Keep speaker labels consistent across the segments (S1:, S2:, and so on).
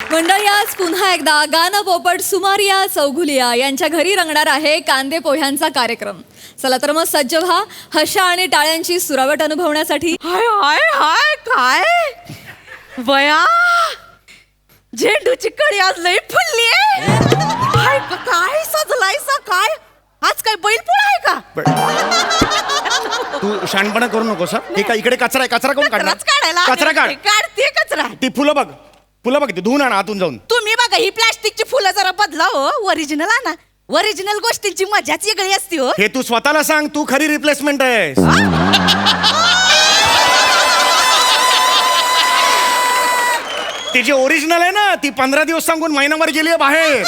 S1: मंडळी, आज पुन्हा एकदा गाणं पोपट सुमारिया चौघुलिया यांच्या घरी रंगणार आहे कांदे पोह्यांचा कार्यक्रम. चला तर मग सज्ज व्हा हशा आणि टाळ्यांची सुरावट अनुभवण्यासाठी.
S2: हाय हाय हाय काय बया, झेंडूची कळी आज लई फुलली आहे. हाय काय सजलायसा काय, आज काय बैलपोळा आहे का?
S3: तू शहाणपणा करू नकोस. हे का इकडे कचरा आहे, कचरा कोण काढणार?
S2: काढायला
S3: कचरा काढ.
S2: काढते कचरा.
S3: ती फुलं बघ, फुलं बघ, ती धुवून आण आतून जाऊन.
S2: तुम्ही बघा ही प्लास्टिकची फुलं जरा बदला हो, ओरिजिनल आणा. ओरिजिनल गोष्टींची मजाच वेगळी असते हो.
S3: हे तू स्वतःला सांग, तू खरी रिप्लेसमेंट आहेस. ती जी ओरिजिनल आहे ना, ती 15 दिवस सांगून महिनाभर गेली आहे बाहेर.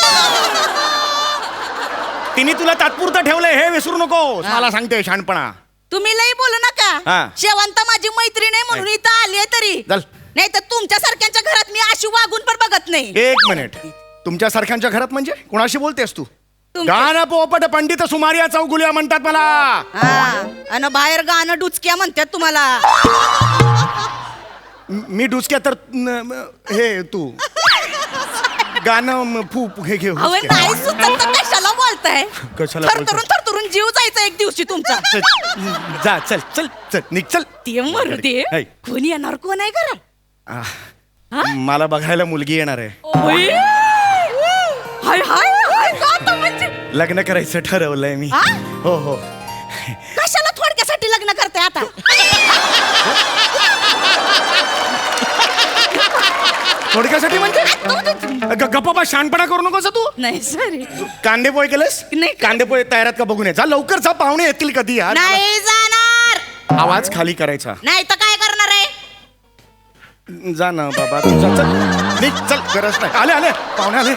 S3: तिने तुला तात्पुरतं ठेवलंय हे विसरू नको. मला सांगते शहाणपणा.
S2: तुम्ही लई बोलू नका.
S3: हा.
S2: शेवंत माझी मैत्रीण आहे म्हणून इथं आली तरी
S3: चल.
S2: नाही तर तुमच्या सारख्यांच्या घरात मी अशी वागून पण बघत नाही.
S3: एक मिनिट, तुमच्या सारख्यांच्या घरात म्हणजे कोणाशी बोलतेस तू?
S2: तुमच्या-
S3: गाणं पोपट पंडित सुमारिया चौगुलिया म्हणतात मला.
S2: हा, आणि बाहेर गाणं डुचक्या म्हणतात तुम्हाला.
S3: मी डुसक्या तर हे तू गाणं हे घे
S2: अहो
S3: हुसक्या.
S2: नाही सुचत तर कशाला बोलताय?
S3: कशाला
S2: थरथरून थरथरून जीव जायचा एक दिवशी तुमचा.
S3: चल, जा चल चल चल निघ चल.
S2: ते मरू दे.
S3: हाय.
S2: कोणी येणार कोण आहे घरात?
S3: मला बघायला मुलगी येणार आहे.
S2: ओय. हाय हाय हाय का आता म्हणजे
S3: लग्न करायचं ठरवलंय मी.
S2: हा?
S3: हो हो.
S2: कशाला थोडक्यासाठी लग्न करताय आता?
S3: थोडक्यासाठी म्हणजे गप्पा शहाणपणा करू नकोस तू.
S2: नाही सॉरी.
S3: कांदे पोहे केलेस?
S2: नाही.
S3: कांदे पोहे तयार आहेत का बघून ये. जा लवकर जा, पाहुणे येतील कधी यार.
S2: नाही जाणार.
S3: आवाज खाली करायचा.
S2: नाही तर काय करणार आहे?
S3: जा ना बाबा तू जा, चल निघ चल. गरज नाही. आले आले पाहुणे आले.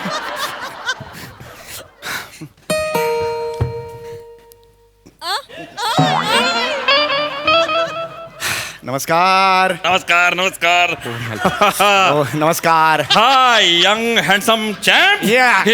S3: नमस्कार.
S4: नमस्कार नमस्कार.
S3: ओ, नमस्कार.
S4: Hi young handsome champ.
S3: Yeah.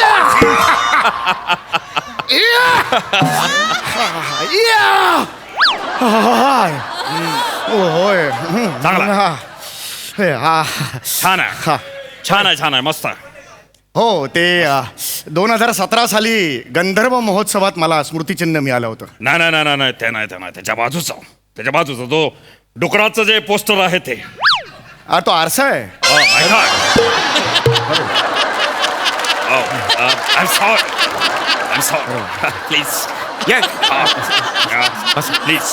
S3: होय.
S4: चांगला. छान आहे
S3: हा.
S4: छान आहे छान आहे मस्त आहे.
S3: हो ते 2017 साली गंधर्व महोत्सवात मला स्मृतिचिन्ह मिळालं होतं.
S4: नाही नाही नाही नाही ते नाही ते नाही त्याच्या बाजूचा तो डुकराचं जे पोस्टर आहे ते.
S3: तो आरसा आहे.
S4: I'm sorry. Please. Please.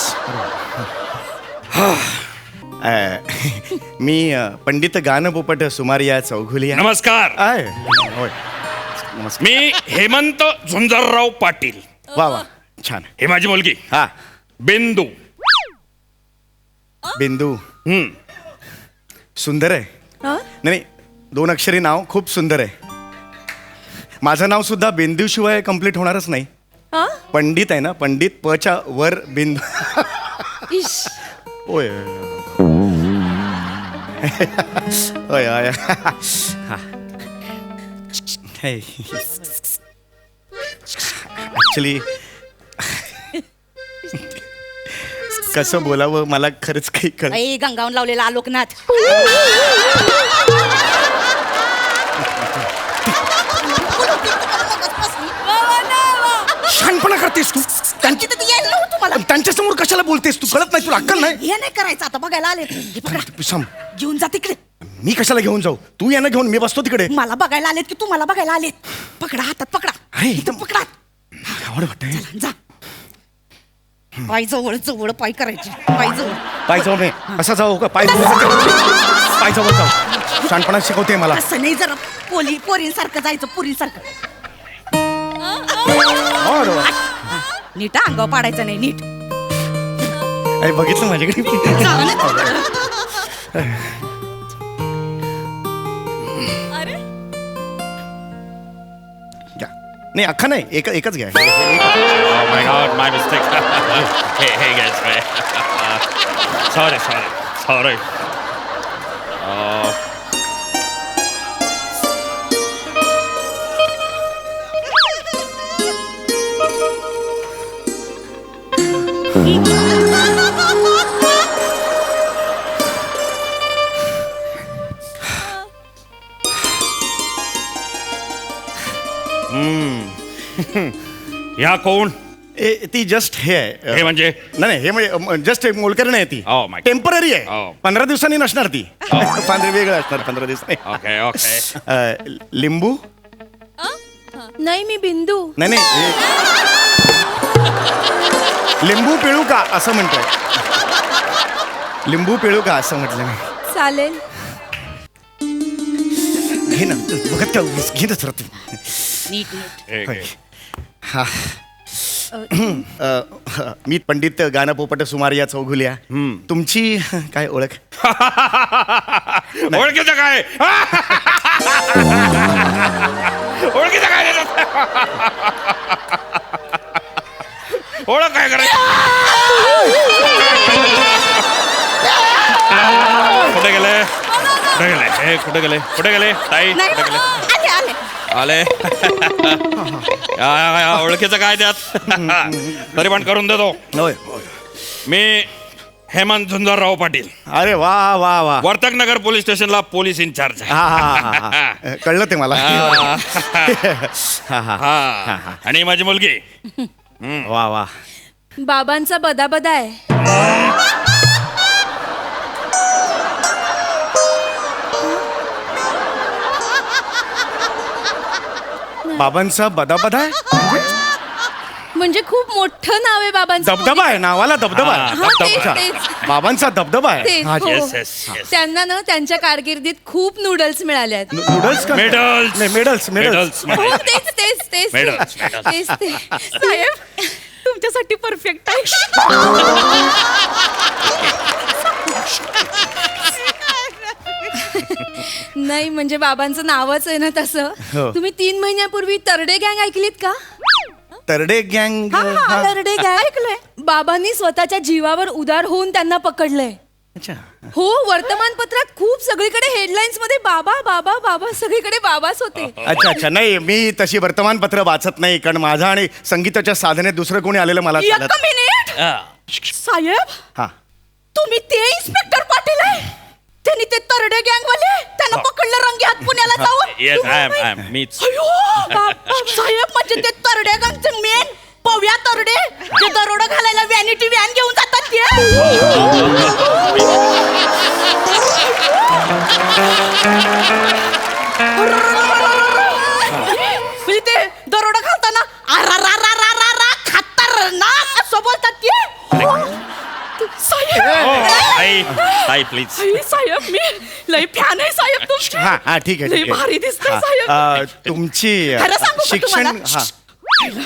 S3: मी पंडित गाणं पोपट सुमारिया चौघुलिया.
S4: नमस्कार.
S3: आहे होय. नमस्कार.
S4: मी हेमंत झुंजरराव पाटील.
S3: वा वा छान.
S4: ही माझी मुलगी
S3: हा
S4: बिंदू.
S3: बिंदू सुंदर आहे. नाही 2 अक्षरी नाव खूप सुंदर आहे. माझं नाव सुद्धा बिंदू शिवाय कम्प्लीट होणारच नाही. पंडित आहे ना, पंडित पच्या वर बिंदू. होय होय होय. ऍक्च्युली कसं बोलावं मला खरंच काही कळ.
S2: ऐ गंगावून लावलेला आलोकनाथ.
S3: शहाणपणा करतेस तू.
S2: त्यांची तर ती यायला नव्हतं मला.
S3: त्यांच्या समोर कशाला बोलतेस तू? कळत नाही तुला? अक्कल नाही?
S2: हे नाही करायचं आता. बघायला आले. हे पकडा.
S3: सांग.
S2: घेऊन जा तिकडे.
S3: मी कशाला घेऊन जाऊ? तू यानं घेऊन मी बसतो तिकडे.
S2: मला बघायला आलेत की तुम्हाला बघायला आलेत? पकडा हातात पकडा.
S3: अरे,
S2: इथं पकडा.
S3: आवड वाटतंय.
S2: जा. पाय जवळ जवळ पाय करायचे. पाय जवळ.
S3: पाय जाऊ नये. असा जाऊ का? पाय पाय जवळ जाऊ. शहाणपणा शिकवते मला.
S2: असं नाही, जरा पोरींसारखं जायचं. पुरींसारखं. नीट अंगावर पाडायचं नाही. नीट.
S3: अरे बघितलं माझ्याकडे.
S1: अरे
S3: घ्या. नाही अख्खा नाही, एकच घ्या.
S4: Oh my God, my mistake. hey guys, sorry. ह्या कोण
S3: ती जस्ट हे आहे
S4: हे म्हणजे
S3: नाही हे म्हणजे जस्ट एक मोलकरण आहे ती
S4: Oh my God.
S3: Temporary
S4: Oh.
S3: आहे 15 दिवसांनी नसणार ती पांढरे वेगळं असणार 15 दिवसांनी
S4: ओके ओके
S3: लिंबू
S2: नाही मी बिंदू.
S3: नाही नाही लिंबू पिळू का असं म्हणतोय लिंबू पिळू का असं म्हटलं मी
S2: चालेल.
S3: घे ना बघत का उगीच घे ना जरा तू
S2: नीट नीट.
S3: हा मी पंडित गाणं पोपट सुमारिया चौघुल्या तुमची काय ओळख
S4: ओळखीचं काय ओळखीचं काय ओळख काय करायचं कुठे गेले कुठे गेले हे कुठे गेले कुठे गेले ताई
S2: नाही
S4: कुठे गेले
S2: आले आले.
S4: आले या, ओळखीचं काय त्यात तरी पण करून देतो
S3: होय
S4: मी हेमंत झुंजारराव पाटील
S3: अरे वा वा वा
S4: वर्तक नगर पोलीस स्टेशनला पोलीस इन्चार्ज आहे
S3: हा हा हा कळलं ते मला हा हा
S4: हा आणि माझी मुलगी
S3: वा वा
S2: बाबांचा बदा बदा आहे.
S3: बाबांचा बदाबदा आहे
S2: म्हणजे खूप मोठं नाव आहे बाबांचं.
S3: दबदबा आहे नावाला दबदबा आहे
S2: हा, तेच,
S3: अच्छा.
S2: तेच.
S3: बाबांचा दबदबा आहे
S2: तेच,
S3: हा,
S2: हो.
S4: येस येस येस
S2: त्यांना ना त्यांच्या कारकिर्दीत खूप नूडल्स मिळाले आहेत.
S3: नूडल्स का
S4: Medals.
S3: नाही मेडल्स मेडल्स
S4: मेडल्स
S2: हो, तेच तेच तेच
S4: Medals, medals.
S2: तेच ते. साहेब तुमच्यासाठी परफेक्ट आहे. नाही म्हणजे बाबांचं नावच आहे ना तसं.
S3: हो.
S2: तुम्ही 3 महिन्यापूर्वी तरडे गँग ऐकलीत का?
S3: तरडे गँग
S2: तरडे गँग ऐकलंय. बाबांनी स्वतःच्या जीवावर उदार होऊन त्यांना पकडलंय.
S3: अच्छा
S2: हो वर्तमानपत्रात खूप सगळीकडे हेडलाईन्स मध्ये बाबा बाबा बाबा सगळीकडे बाबाच होते.
S3: अच्छा अच्छा नाही मी तशी वर्तमानपत्र वाचत नाही कारण माझा आणि संगीताच्या साधनेत दुसरं कोणी आलेलं मला
S2: एक
S3: चालत
S2: मिनिट साहेब
S3: हा
S2: तुम्ही ते इन्स्पेक्टर पाटील आहे. त्यांनी ते तरडे गँग वाले त्यांना पकडलं रंगे हात पुण्याला
S4: Yes, I am,
S2: जाऊन.
S4: मीच.
S2: अयो, साहेब म्हणजे ते तरडे गँगचे मेन पव्या तरडे जे दरोडा घालायला व्हॅनिटी व्हॅन घेऊन जातात म्हणजे ते दरोडा घालताना खतरनाक असं बोलतात ते. साहेब
S4: ताई ताई प्लीज
S2: साहेब मी लय फॅन आहे साहेब तुमची.
S3: हा हा ठीक आहे
S2: लय
S3: ठीक
S2: भारी दिसतंय
S3: हा,
S2: साहेब.
S3: तुमची
S2: खरं सांगू का
S3: शिक्षण
S2: तुम्हाला?
S3: हा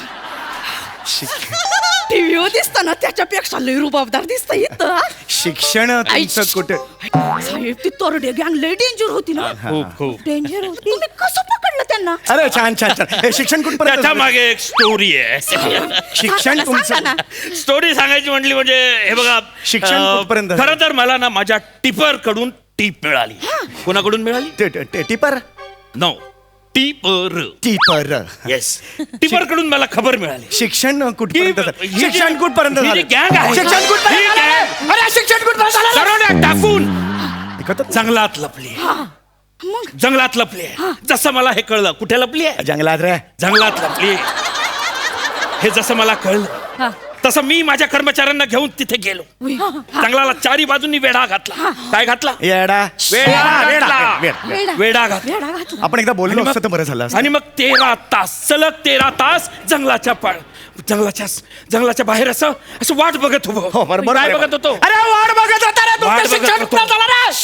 S2: टीव्हीवर दिसतं ना त्याच्यापेक्षा लय रुबाबदार दिसत इथं.
S3: शिक्षण तुमचं कुठे
S2: साहेब ती तरडे गँग लय डेंजर होती ना.
S4: खूप खूप
S2: डेंजर होती. तुम्ही कसं पकडलं त्यांना?
S3: अरे छान छान छान हे शिक्षण कुठपर्यंत
S4: त्याच्या मागे एक स्टोरी आहे
S3: शिक्षण
S2: सांगा
S3: तुमचं
S2: ना.
S4: स्टोरी सांगायची म्हटली म्हणजे हे बघा
S3: शिक्षण कुठपर्यंत झालं?
S4: खरं तर मला ना माझ्या टिपर कडून टीप मिळाली कोणाकडून मिळाली
S3: tipper
S4: no tipper
S3: tipper
S4: yes tipper कडून मला खबर मिळाली
S3: शिक्षण कुठपर्यंत झालं?
S4: ही जी-
S3: शिक्षण कुठपर्यंत
S4: ही जी
S3: झालं?
S4: गँग आहे
S3: शिक्षण कुठपर्यंत
S4: ही
S3: झालं?
S4: गँग
S3: अरे शिक्षण कुठपर्यंत झालं?
S4: दरोड्यात टाकून
S3: ऐकतच
S4: जंगलात लपली जंगलात लपली जसं मला हे कळलं कुठे लपली आहे
S3: जंगलात रे
S4: जंगलात लपली हे जसं मला कळलं तसं मी माझ्या कर्मचाऱ्यांना घेऊन तिथे गेलो जंगलाला चारी बाजूंनी वेढा घातला काय घातला
S3: येडा
S4: वेडा
S3: वेडा,
S4: घातला.
S3: वेडा.
S4: वेडा घातला
S3: आपण एकदा बोललो
S4: आणि
S3: असतं तर
S4: मग-
S3: बरं झालं असतं.
S4: आणि मग 13 तास सलग 13 तास जंगलाच्या बाहेर असं असं वाट बघत
S3: हो
S4: होतो
S3: बरोबर
S4: काय
S3: आहे.
S4: बघत होतो
S3: अरे वाट बघत होता रे तुमचं
S4: वाट बघत
S3: शिक्षण
S4: होतो.
S3: कुठं झालं रे?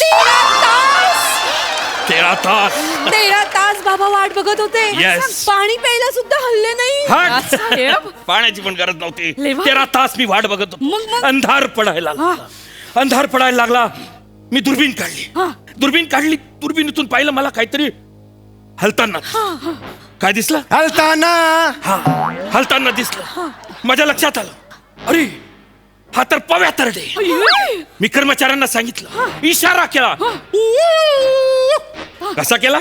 S4: 13 तास
S2: 13 तास बाबा वाट बघत होते.
S4: Yes.
S2: पाणी प्यायला सुद्धा हल्ले नाही.
S4: हट.
S2: साहेब
S4: पाण्याची पण गरज नव्हती
S2: लय भारी.
S4: 13 तास मी वाट बघत
S2: मग-
S4: होतो
S2: मग?
S4: अंधार पडायला लागला अंधार पडायला लागला मी दुर्बीण काढली दुर्बीणीतून पाहिलं मला काहीतरी हलताना काय दिसलं
S3: हलताना
S4: हा हलताना दिसलं माझ्या लक्षात आलं अरे हा तर पव्या तरडे मी कर्मचाऱ्यांना सांगितलं इशारा केला कसा केला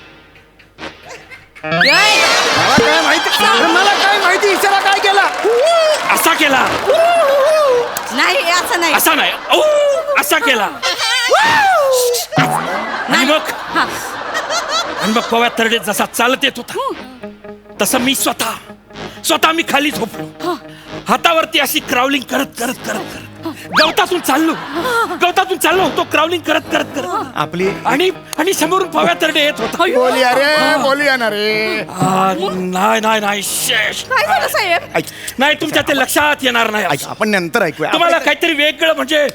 S3: मला काय माहिती इशारा काय केला
S4: असा केला
S2: नाही असं नाही.
S4: असा नाही औ, असा केला आणि मग पव्या तरडे जसा चालत येत होता तसं मी स्वतः मी खाली झोपलो, हातावरती अशी क्राउलिंग करत करत करत करत गवतातून चाललो होतो, क्राउलिंग करत करत करत
S3: आपली
S4: आणि समोरून पव्या तरडे येत होता.
S3: बोलूया ना रे.
S4: नाही शेष.
S2: काय झालं साहेब?
S3: ऐक,
S4: नाही तुमच्या ते लक्षात येणार नाही.
S3: ऐक, आपण नंतर ऐकूया.
S4: तुम्हाला काहीतरी वेगळं म्हणजे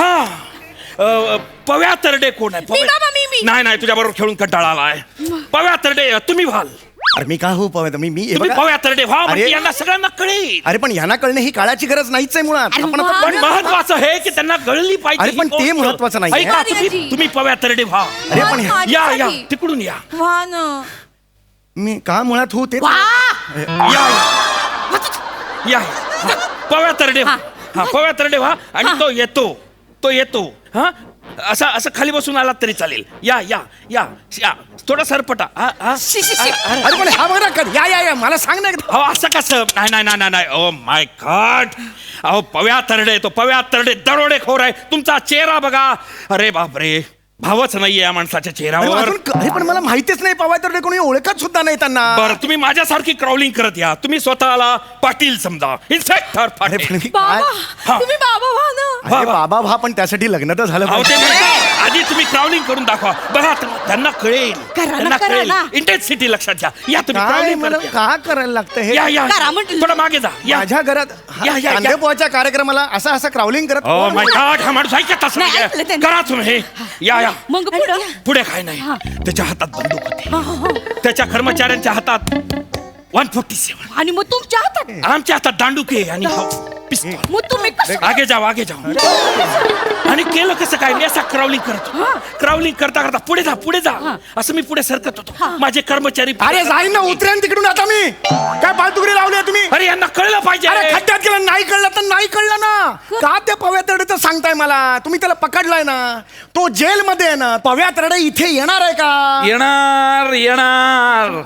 S4: पव्या तरडे कोण आहे?
S2: मी बाबा, मी.
S4: नाही तुझ्या बरोबर खेळून कंटाळा आलाय. पव्या तरडे तुम्ही व्हाल.
S3: अरे मी का हो पव्या मी हे
S4: तुम्ही
S3: बघा.
S4: पव्या तरडे व्हा म्हणजे
S3: अरे.
S4: यांना सगळ्यांना कळेल.
S3: अरे पण यांना कळणे ही काळाची गरज नाहीच आहे मुळात. आपण आता-
S4: पण महत्वाचं हे की त्यांना कळली पाहिजे.
S3: अरे पण
S4: ही
S3: ते
S4: गोष्ट.
S3: महत्वाचं नाहीये.
S4: ऐका,
S2: दादाजी.
S4: तुम्ही पव्या तरडे व्हा.
S3: अरे पण
S4: या
S2: माझ्यासाठी.
S4: तिकडून या
S2: वा ना.
S3: मी का मुळात हो ते
S2: वा.
S4: या या पव्या तरडे व्हा. पव्या तरडे व्हा आणि तो येतो हा असं खाली बसून आलात तरी चालेल. या या या या थोडा सरपटा.
S3: अरे पण हा बघा कर. या मला सांग ना एकदा.
S4: अहो असं कसं? नाही ओ माय गॉड. अहो पव्या तरडे दरोडेखोर आहे. तुमचा चेहरा बघा. अरे बापरे, भावच नाहीये या माणसाच्या
S3: अरे
S4: चेहऱ्यावर.
S3: अरे पण मला माहितीच नाही पवाय तर कोणी ओळखत सुद्धा नाही त्यांना.
S4: बरं तुम्ही माझ्यासारखी क्राउलिंग करत या. तुम्ही स्वतःला पाटील समजा, इन्स्पेक्टर
S3: अरे पण
S4: पाटील.
S3: मी काय-
S2: बाबा, तुम्ही बाबा व्हा ना.
S3: अरे बाबा भा पण त्यासाठी लग्न तर झालं
S4: अहो, ते
S3: पाहिजे.
S4: म्हणतात, आधी तुम्ही क्राउलिंग करून दाखवा. बघा त्यांना कळेल.
S2: करा ना,
S4: त्यांना
S2: करा
S4: कळेल.
S2: ना.
S4: इंटेन्सिटी लक्षात घ्या. या तुम्ही
S3: काय
S4: क्राउलिंग
S3: मला
S4: करत या.
S3: का करायला लागतं हे?
S4: या
S2: करा म्हटलं.
S4: थोडं मागे जा. या
S3: माझ्या घरात
S4: या, या.
S3: कांदेपोहाच्या कार्यक्रमाला असं क्राउलिंग करत
S4: ओ माय गॉड, हा माणूस ऐकत असं
S2: नाही,
S4: नाहीये.
S2: ऐकलं त्यांनी.
S4: करा तुम्ही हे. या
S2: मग पुढं.
S4: पुढे काय नाही. त्याच्या हातात बंदूक होती. त्याच्या कर्मचाऱ्यांच्या हातात 147.
S2: आणि मग तुमच्या हातात.
S4: आमच्या हातात दांडुके आणि पिस्तूल.
S2: मग तुम्ही कसं?
S4: आगे जाओ आणि केलं कसं काय? मी असा क्राउलिंग करतो. क्राउलिंग करता पुढे जा असं मी पुढे सरकत होतो. माझे कर्मचारी
S3: अरे जाईन ना, उतरेन तिकडून आता मी. काय पालतुगडी लावली आहे तुम्ही?
S4: अरे यांना कळलं पाहिजे.
S3: अरे खड्ड्यात गेलं, नाही कळलं तर नाही कळलं ना. का त्या पव्या तरडेचं सांगताय मला? तुम्ही त्याला पकडलाय ना, तो जेलमध्ये आहे ना. पव्या तरडे इथे येणार आहे का?
S4: येणार.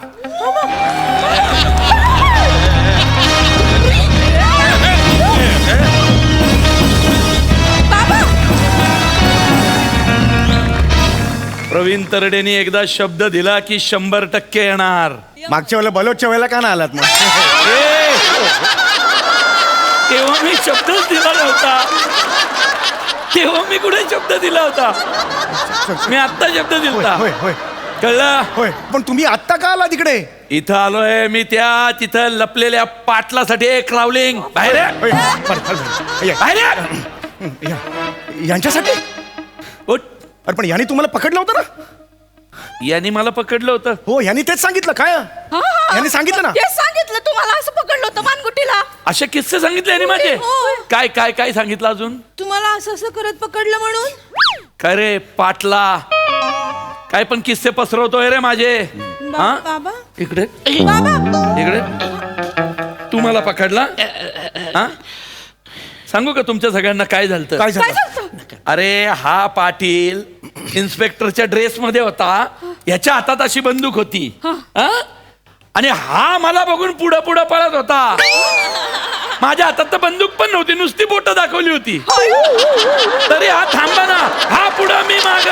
S4: प्रवीण तरडेने एकदा शब्द दिला की 100% येणार.
S3: मागच्या वेळेला बलोचच्या वेळेला का ना आलात मग?
S4: तेव्हा मी शब्दच दिला नव्हता. तेव्हा मी कुठे शब्द दिला होता? मी आत्ता शब्द दिला.
S3: होय होय
S4: कळलं?
S3: होय. पण तुम्ही आत्ता का आला तिकडे?
S4: इथं आलोय मी तिथं लपलेल्या पाटलासाठी. क्राउलिंग बाहेर ये.
S3: होय, बरं.
S4: बाहेर ये.
S3: यांच्यासाठी?
S4: उठ.
S3: अरे पण यांनी तुम्हाला पकडलं होतं ना?
S4: यांनी मला पकडलं होतं.
S3: हो, यांनी तेच सांगितलं काय? यांनी सांगितलं ना?
S2: ते सांगितलं तुम्हाला असं पकडलं होतं मानगुटीला.
S4: असे किस्से सांगितले यांनी माझे.
S2: होय.
S4: काय काय काय सांगितलं अजून?
S2: तुम्हाला असं करत पकडलं म्हणून.
S4: काय रे पाटला, काय पण किस्से पसरवतोय रे माझे. हा?
S2: बाबा
S4: इकडे
S2: बाबा
S4: इकडे तू मला पकडला. हा? सांगू का तुमच्या सगळ्यांना काय झालं?
S3: काय
S2: काय
S3: झालं?
S2: झालं?
S4: अरे हा पाटील इन्स्पेक्टरच्या ड्रेस मध्ये होता. याच्या हातात अशी बंदूक होती. हा? आणि हा मला बघून पुढं पुढं पळत होता. माझ्या हातात तर बंदूक पण नव्हती, नुसती बोट दाखवली होती. तरी हा थांबा ना. हा पुढं मी माग.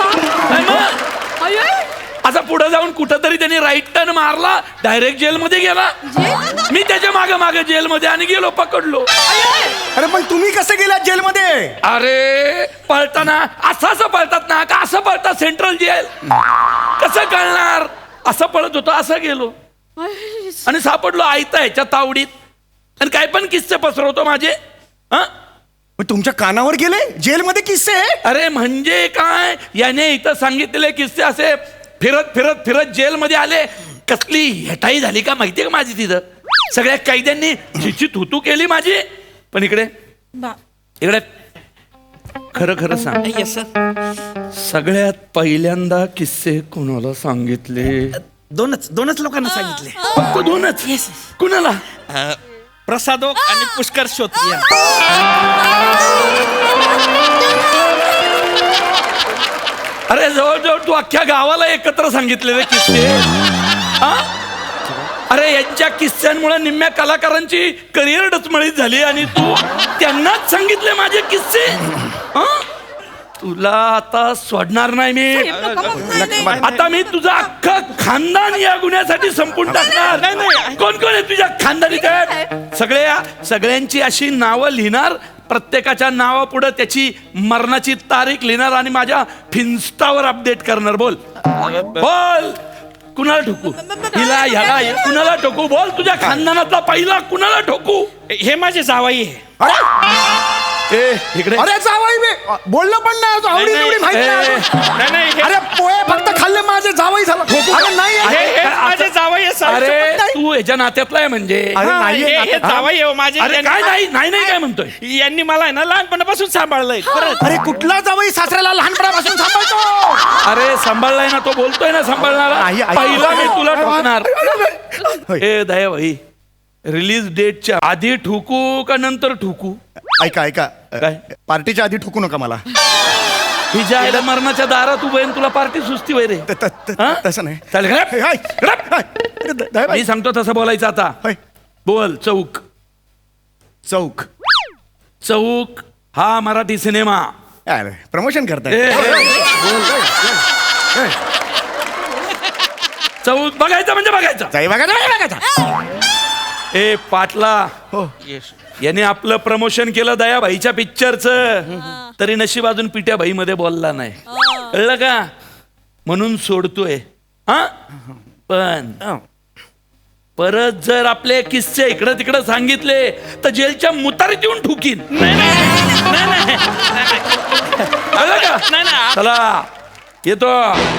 S4: असा पुढे जाऊन कुठंतरी त्यांनी राईट टर्न मारला. डायरेक्ट जेलमध्ये गेला. मी त्याच्या मागे जेलमध्ये आणि गेलो, पकडलो.
S3: अरे पण तुम्ही कसे गेलात जेलमध्ये?
S4: अरे पळताना असं पळतात ना का? असं पळतात सेंट्रल जेल. कसं कळणार? असं पळत होतो, असं गेलो आणि सापडलो आयता ह्याच्या तावडीत. आणि काय पण किस्से पसरवतो माझे. हा?
S3: मग तुमच्या कानावर गेले जेलमध्ये किस्से?
S4: अरे म्हणजे काय, याने इथं सांगितलेले किस्से असे फिरत फिरत फिरत जेलमध्ये आले. कसली हेटाई झाली का माहितीये का माझी तिथं? सगळ्या कैद्यांनी झिची थुतू केली माझी. पण इकडे खरं खरं सांग.
S5: Yes sir.
S4: सगळ्यात पहिल्यांदा किस्से कुणाला सांगितले?
S5: दोनच लोकांना सांगितले.
S4: फक्त दोनच? कुणाला?
S5: प्रसादोक आणि पुष्कर श्रोत्री.
S4: अरे जवळजवळ तू अख्ख्या गावाला एकत्र सांगितलेले किस्से. हा? अरे यांच्या किस्स्यांमुळे निम्म्या कलाकारांची करिअर डचमळीत झाली आणि तू त्यांनाच सांगितले माझे किस्से. हा? तुला आता सोडणार नाही मी. आता मी तुझं अख्खं खानदान या गुन्ह्यासाठी संपून टाकणार. कोण कोण आहे तुझ्या खानदानी? सगळ्यांची अशी नावं लिहिणार, प्रत्येकाच्या नावापुढे त्याची मरणाची तारीख लिहिणार आणि माझ्या फिन्स्टावर अपडेट करणार. बोल बोल, कुणाला ठोकू? हिला ह्याला कुणाला ठोकू? बोल, तुझ्या खानदानातला पहिला कुणाला ठोकू?
S5: हे माझे जावाई आहे.
S4: ए इकडे.
S3: अरे जावई मी बोललो पण नाही, आवडी निवडी माहिती नाही.
S5: नाही, हे-
S3: अरे पोहे फक्त खाल्ले माझे जावई झालं. अरे नाही
S5: हे माझे जावाई आहे, सासू
S4: अरे
S5: पण नाही.
S4: तू ह्याच्या नात्यातला आहे म्हणजे?
S3: अरे
S5: हा,
S3: नाहीये
S5: हे
S3: नात्यात.
S5: जावाई आहे माझे.
S4: अरे काय नाही नाही नाही काय म्हणतोय?
S5: यांनी मला आहे ना लहानपणापासून सांभाळलंय खरंच.
S3: अरे कुठला जावई सासऱ्याला लहानपणापासून सांभाळतो?
S4: अरे सांभाळलाय ना तो, बोलतोय ना सांभाळणारा.
S3: नाही, ऐक.
S4: पहिला मी तुला ठोकणार.
S3: होय.
S4: ए दया भाई, रिलीज डेटच्या आधी ठोकू का नंतर ठोकू?
S3: ऐका ऐका
S4: काय?
S3: पार्टीच्या आधी ठोकू नका मला.
S4: हिच्या आईला मरणाच्या दारात उभं आहे, तुला पार्टी सुस्ती वय रे. हा?
S3: तसं नाही.
S4: चालेल घरात.
S3: हाय, हाय. अरे, दयाबाई.
S4: मी सांगतो तसं बोलायचं आता.
S3: होय.
S4: बोल. चौक.
S3: चौक.
S4: चौक हा मराठी सिनेमा.
S3: अरे प्रमोशन
S4: ए,
S3: करताय.
S4: ए, चौक बघायचं म्हणजे बघायचं.
S3: जाई बघा जाई बघा.
S4: ए पाटला,
S3: हो.
S4: याने आपलं प्रमोशन केलं दयाबाईच्या पिक्चरचं, तरी नशीब अजून पिट्या भाई मध्ये बोलला नाही. कळलं का? म्हणून सोडतोय. हा पण परत जर आपले किस्से इकडं तिकडं सांगितले तर जेलच्या मुतारीत येऊन ठुकीन. कळलं का?
S5: नाही.
S4: चला येतो.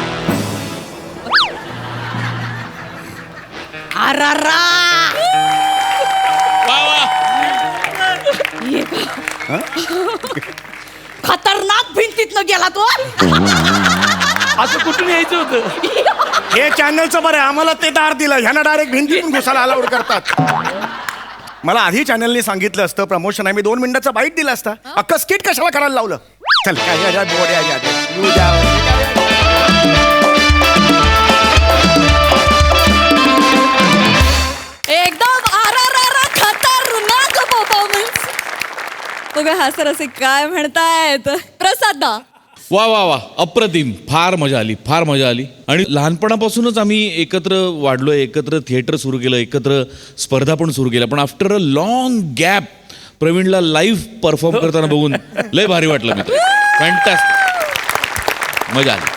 S2: अरारा. खतरनाक भिंतीतनं गेला तो.
S4: असं कुठून यायचं होतं?
S3: हे चॅनलचं बरं आहे, आम्हाला ते दार दिलं, ह्यांना डायरेक्ट भिंतीतून घुसायला अलाउड करतात. मला आधी चॅनलने सांगितलं असतं प्रमोशन आहे, मी 2 मिनिटाचा बाईट दिला असता. अख्खं स्किट कशाला करायला लावलं? चल
S1: एकदम आरारारा खतरनाक परफॉर्मन्स. बघा हा सर असे काय म्हणतायत. प्रसाद दा.
S6: वा वा वा, अप्रतिम. फार मजा आली, फार मजा आली. आणि लहानपणापासूनच आम्ही एकत्र वाढलोय, एकत्र थिएटर सुरू केलं, एकत्र स्पर्धा पण सुरू केल्या. पण आफ्टर अ लॉंग गॅप प्रवीणला लाईव्ह परफॉर्म करताना बघून लय भारी वाटलं मित्र. फॅन्टास्टिक, मजा आली.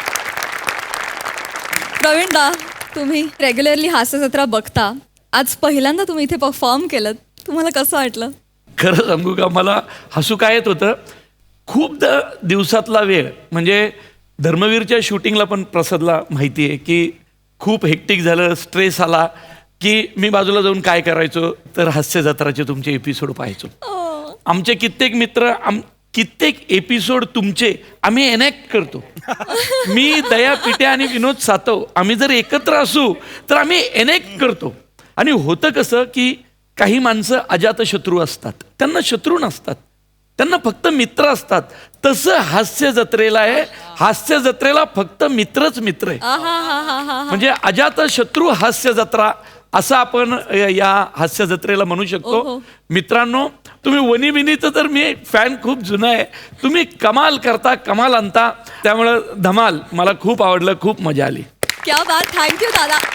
S1: प्रवीण दा, तुम्ही रेग्युलरली हास्य जत्रा बघता, आज पहिल्यांदा तुम्ही इथे परफॉर्म केलं, तुम्हाला कसं वाटलं?
S4: खरं सांगू का, मला हसू काय येत होतं. खूप दिवसातला वेळ म्हणजे धर्मवीरच्या शूटिंगला पण प्रसादला माहिती आहे की खूप हेक्टिक झालं, स्ट्रेस आला की मी बाजूला जाऊन काय करायचो तर हास्य जत्राचे तुमचे एपिसोड पाहायचो. आमचे कित्येक मित्र कित्येक एपिसोड तुमचे आम्ही एनॅक्ट करतो. मी दया पिट्या आणि विनोद सातव आम्ही जर एकत्र असू तर आम्ही एनॅक्ट करतो. आणि होतं कसं की काही माणसं अजातशत्रू असतात, त्यांना शत्रू नसतात, त्यांना फक्त मित्र असतात. तसं हास्य जत्रेला आहे. हास्य जत्रेला फक्त मित्रच मित्र आहे. म्हणजे अजातशत्रू हास्य जत्रा असं आपण या हास्य जत्रेला म्हणू शकतो. मित्रांनो, तुम्ही वनी बिनीचं तर मी फॅन खूप जुना आहे. तुम्ही कमाल करता, कमाल आणता, त्यामुळं धमाल मला खूप आवडलं, खूप मजा आली.
S1: क्या बात. थँक्यू दादा.